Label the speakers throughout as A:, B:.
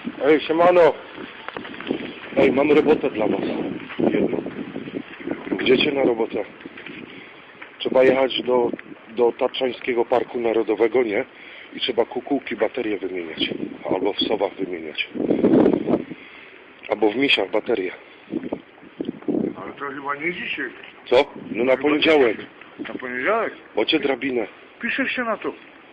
A: Ej, siemano! Ej, mam robotę dla was. Jedną. Idziecie na robotę? Trzeba jechać do Tatrzańskiego Parku Narodowego, nie? I trzeba kukułki, baterie wymieniać. Albo w sowach wymieniać. Albo w misiach baterie.
B: Ale to chyba nie dzisiaj.
A: Co? No na poniedziałek.
B: Na poniedziałek?
A: Bocie drabinę.
B: Piszesz się na to.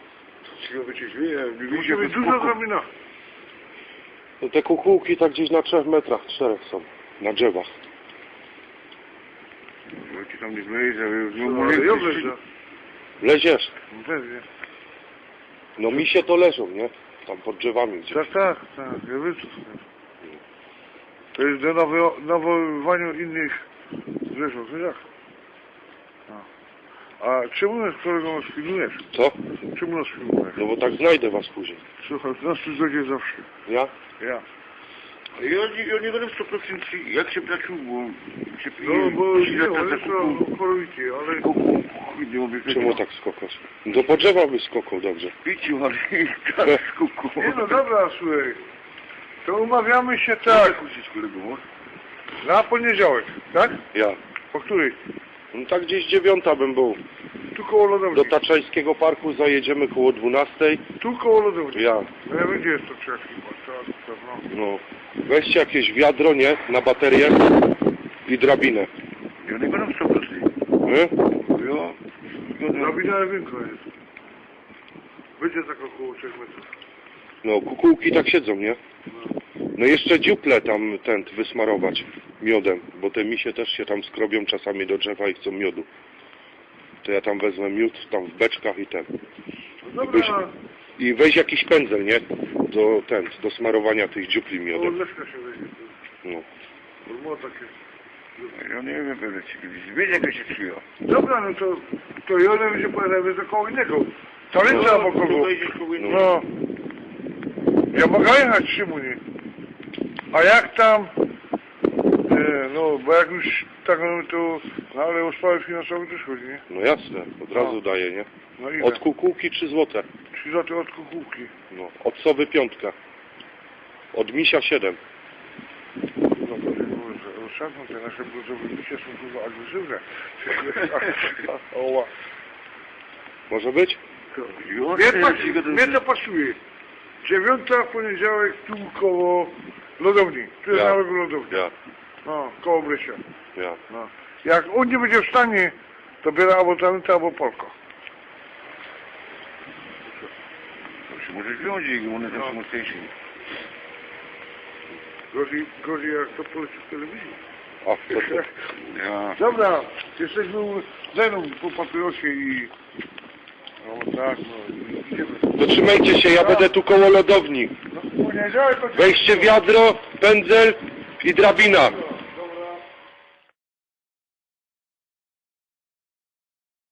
B: Musi być dużo drabina.
A: No te kukułki tak gdzieś na 3 metrach, 4 są. Na drzewach.
B: Ja ci tam nie wlejdę,
A: ale ja wleżę. Leziesz?
B: Pewnie.
A: No misie to leżą, nie? Tam pod drzewami gdzieś.
B: Tak, ja wiem co to jest. To jest do nawoływaniu innych zwierząt, no jak? A czemu nas, kolego, nas filmujesz?
A: Co?
B: Czemu nas filmujesz?
A: No bo tak znajdę was później.
B: Słuchaj, nas tu znajdzie zawsze.
A: Ja?
B: Ja.
C: Ja nie będę 100% jak się placił, bo się
B: No bo nie, ale to chorowicie, ale...
A: Czemu tak skokać? Do po drzewa by skokał, dobrze.
C: Piciu, ale tak skuku.
B: Nie no dobra, słuchaj. To umawiamy się tak. Na poniedziałek, tak?
A: Ja.
B: Po której?
A: No tak gdzieś 9 bym był.
B: Tu koło lodowni.
A: Do Tatrzańskiego Parku zajedziemy koło 12.
B: Tu koło lodowni.
A: Ja.
B: No ja wiem, gdzie jest to trzeci, no.
A: No. Weźcie jakieś wiadro, nie? Na baterię i drabinę.
C: Ja nie będę 100%.
A: Nie?
B: Drabina winko jest. Będzie tak około 3 metrów.
A: No, kukułki tak siedzą, nie? No jeszcze dziuple tam wysmarować miodem, bo te misie też się tam skrobią czasami do drzewa i chcą miodu. To ja tam wezmę miód, tam w beczkach i ten.
B: No dobra.
A: I weź jakiś pędzel, nie? Do smarowania tych dziupli
B: O,
A: miodem.
B: leszka się wejdzie.
A: No.
B: Bo ma takie...
C: Ja nie wiem, będę ci kiedyś. Wiesz, jak się przyjął.
B: Dobra, no to ja nie będzie pojadę za koło innego. Talenca albo kogo. No. Ja mogę jechać, Szymunie. A jak tam... no, bo jak już tak, no to... No ale o sprawy finansowe też chodzi, nie?
A: No jasne, od razu daję, nie?
B: No ile?
A: Od kukułki 3 złote.
B: 3 zł od kukułki.
A: No. Od sowy 5. Od misia 7.
B: No to rozsadzą te nasze bluzowe bicie są dużo agresywne. Oła.
A: Może być?
B: Mnie to pasuje. 9 w poniedziałek tu koło lodowni. Tu jest
A: Ja.
B: nawet lodownia.
A: Ja.
B: No, koło Brysia.
A: Ja.
B: No. Jak on nie będzie w stanie, to biera albo Talenta, albo Polko.
C: To się może wziąć, jak one są mocniejsze.
B: Gorzej jak to poleci w telewizji.
A: A, to.
C: Ja.
B: Dobra, jesteśmy ze mną po papierosie i... No tak, no idziemy.
A: To trzymajcie się, ja będę tu koło lodowni.
B: No, w poniedziałek to...
A: Weźcie wiadro, pędzel i drabina.